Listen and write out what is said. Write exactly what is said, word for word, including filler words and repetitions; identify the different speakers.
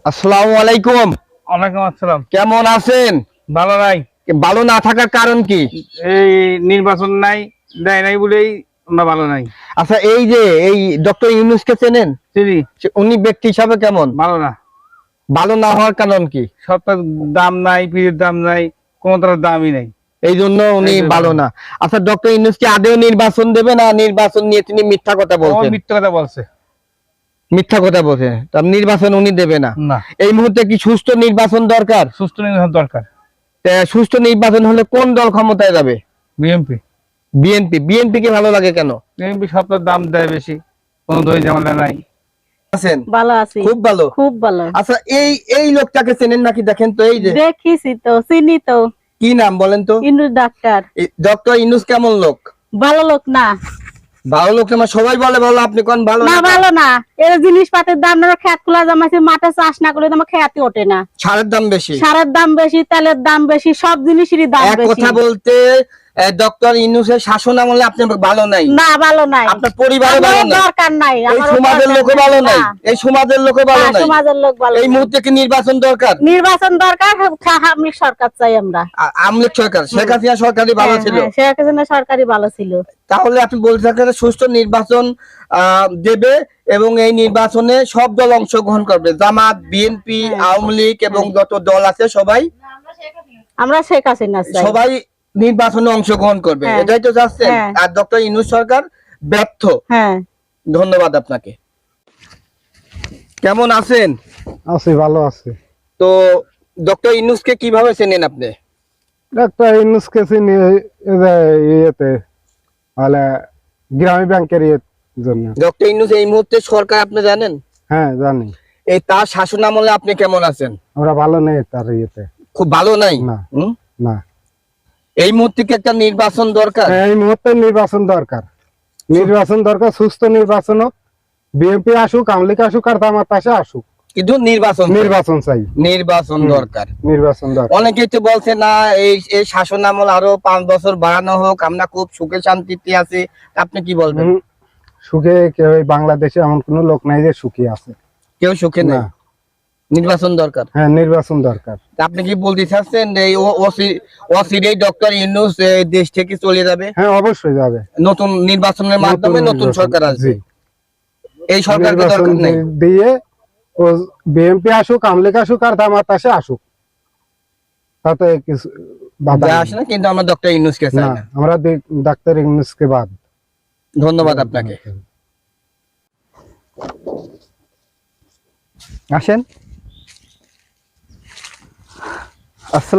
Speaker 1: আসসালামু আলাইকুম।
Speaker 2: ওয়ালাইকুম আসসালাম।
Speaker 1: কেমন আছেন?
Speaker 2: ভালো নাই।
Speaker 1: ভালো না থাকার কারণ কি?
Speaker 2: এই নির্বাচন নাই, দেয় নাই বলেই আমরা ভালো নাই।
Speaker 1: আচ্ছা, এই যে এই ডক্টর ইউনূসকে চেনেন?
Speaker 2: চিনি।
Speaker 1: সে- উনি ব্যক্তি হিসাবে কেমন?
Speaker 2: ভালো না।
Speaker 1: ভালো না হওয়ার কারণ কি?
Speaker 2: সবটার দাম নাই, পিঠের দাম নাই, কোনটার দামই নাই।
Speaker 1: এই জন্য উনি
Speaker 2: এই জন্য।
Speaker 1: ভালো না। আচ্ছা, ডক্টর ইউনূস কি আদৌ নির্বাচন দেবে না নির্বাচন নিয়ে তিনি মিথ্যা কথা
Speaker 2: ও
Speaker 1: বলছেন?
Speaker 2: মিথ্যা কথা বলছে।
Speaker 1: মিথ্যা কথা বলছেন, তার নির্বাচন উনি দেবে না।
Speaker 2: না,
Speaker 1: এই মুহূর্তে কি সুস্থ নির্বাচন দরকার?
Speaker 2: সুস্থ নির্বাচন দরকার।
Speaker 1: তা সুস্থ নির্বাচন হলে কোন দল ক্ষমতায় যাবে?
Speaker 2: বিএনপি।
Speaker 1: বিএনপি। বিএনপি কে ভালো লাগে কেন?
Speaker 2: বিএনপি সবটার দাম দেয় বেশি, কোনো দই ঝামেলা নাই।
Speaker 1: আছেন?
Speaker 3: ভালো আছি,
Speaker 1: খুব ভালো।
Speaker 3: খুব ভালো।
Speaker 1: আচ্ছা, এই এই লোকটাকে চেনেন নাকি? দেখেন তো, এই যে
Speaker 3: দেখিছি তো, চিনি তো।
Speaker 1: কি নাম বলেন তো?
Speaker 3: ইন্দুর ডাক্তার।
Speaker 1: ডক্টর ইউনূস কেমন লোক?
Speaker 3: ভালো লোক না।
Speaker 1: ভালো লোক আমার সবাই বলে ভালো, আপনি কোন ভালো
Speaker 3: না
Speaker 1: না?
Speaker 3: ভালো না। এর জিনিসপাতির দাম না, খেত খোলা জামাইছে, মাঠে চাষ না করলে তোমার খেয়াতি ওঠে না।
Speaker 1: সারের দাম বেশি,
Speaker 3: সারের দাম বেশি, তেলের দাম বেশি, সব জিনিসেরই দাম
Speaker 1: এক
Speaker 3: বেশি।
Speaker 1: কথা বলতে ডক্টর ইউনূসের শাসন আমলে আপনি ভালো নাই,
Speaker 3: না ভালো নাই।
Speaker 1: আপনার পরিবারও ভালো
Speaker 3: আমারও
Speaker 1: নাই,
Speaker 3: দরকার নাই,
Speaker 1: এই
Speaker 3: আমারও
Speaker 1: সমাজের
Speaker 3: দরকার
Speaker 1: লোকও ভালো নাই,
Speaker 3: না।
Speaker 1: এই সমাজের লোকও ভালো
Speaker 3: না,
Speaker 1: নাই।
Speaker 3: সমাজের লোক ভালো
Speaker 1: এই
Speaker 3: না।
Speaker 1: মুহূর্তে কি নির্বাচন দরকার?
Speaker 3: নির্বাচন দরকার, আওয়ামী সরকার চাই আমরা।
Speaker 1: আ- আওয়ামী লীগ সরকার, শেখ হাসিনা সরকারই ভালো
Speaker 3: হ্যাঁ,
Speaker 1: ছিল।
Speaker 3: হ্যাঁ, শেখ হাসিনা সরকারই ভালো ছিল।
Speaker 1: তাহলে আপনি বলতে থাকেন সুষ্ঠু নির্বাচন আহ, দেবে এবং এই নির্বাচনে সব দল অংশগ্রহণ করবে, জামাত, বিএনপি,
Speaker 3: হ্যাঁ।
Speaker 1: আওয়ামী লীগ এবং যত দল আছে সবাই
Speaker 3: আমরা শেখ হাসিনা চাই।
Speaker 1: সবাই নির্বাচনে অংশগ্রহণ করবে,
Speaker 3: হ্যাঁ।
Speaker 1: এটাই তো চাচ্ছেন।
Speaker 3: হ্যাঁ।
Speaker 1: আর ডক্টর ইউনূস সরকার ব্যর্থ।
Speaker 3: হ্যাঁ।
Speaker 1: ধন্যবাদ আপনাকে। কেমন আছেন?
Speaker 4: আছি, ভালো আছি।
Speaker 1: তো ডক্টর ইউনূসকে কিভাবে চেনেন আপনি?
Speaker 4: ডাক্তার ইউনূসকে চিনি এই যে ইয়েতে মানে গ্রামীণ ব্যাংকের ইয়ের জন্য।
Speaker 1: ডক্টর ইউনূস এই মুহূর্তে সরকার আপনি জানেন?
Speaker 4: হ্যাঁ জানি।
Speaker 1: এই তার শাসন আমলে আপনি কেমন আছেন?
Speaker 4: আমরা ভালো নেই তার ইয়েতে।
Speaker 1: খুব ভালো নাই?
Speaker 4: না।
Speaker 1: হুম?
Speaker 4: না,
Speaker 1: এই মুহূর্তে কি একটা নির্বাচন দরকার?
Speaker 4: এই মুহূর্তে নির্বাচন দরকার। নির্বাচন দরকার, সুস্থ নির্বাচন হোক। বিএনপি আসুক, আওয়ামী লীগ আসুক, আর জামাত আসে আসুক,
Speaker 1: কিন্তু নির্বাচন চাই।
Speaker 4: নির্বাচন চাই।
Speaker 1: নির্বাচন
Speaker 4: হুম।
Speaker 1: দরকার।
Speaker 4: নির্বাচন দরকার।
Speaker 1: অনেকেই তো বলছে না এই এই শাসন আমল আরো পাঁচ বছর বাড়ানো হোক, আমরা খুব সুখে শান্তিতে আছি। আপনি কি বলবেন?
Speaker 4: হুম, সুখে কেউ এই বাংলাদেশে এমন কোন লোক নাই যে সুখী আছে।
Speaker 1: কেউ সুখে নেই।
Speaker 4: না।
Speaker 1: নির্বাচন দরকার।
Speaker 4: হ্যাঁ, নির্বাচন দরকার।
Speaker 1: তা আপনি কি বলতে চাচ্ছেন এই অসিরেই ডক্টর ইউনূস এই দেশ থেকে চলে যাবে?
Speaker 4: হ্যাঁ, অবশ্যই যাবে।
Speaker 1: নতুন নির্বাচনের মাধ্যমে নতুন
Speaker 4: নির্বাচন,
Speaker 1: সরকার আসবে।
Speaker 4: জি।
Speaker 1: এই সরকারকে
Speaker 4: নির্বাচন
Speaker 1: দরকার নেই।
Speaker 4: দিয়ে ও বিএনপি আসুক, আওয়ামী লীগ আসুক, আর জামাত আসে আসুক, তাতে কিছু বাধা
Speaker 1: যা
Speaker 4: নেই।
Speaker 1: আসে না, কিন্তু আমরা ডক্টর ইউনূসকে চাই
Speaker 4: না,
Speaker 1: না।
Speaker 4: আমরা দি- ডাক্তার ইউনূসকে বাদ।
Speaker 1: ধন্যবাদ আপনাকে। আসেন। আসসালাম।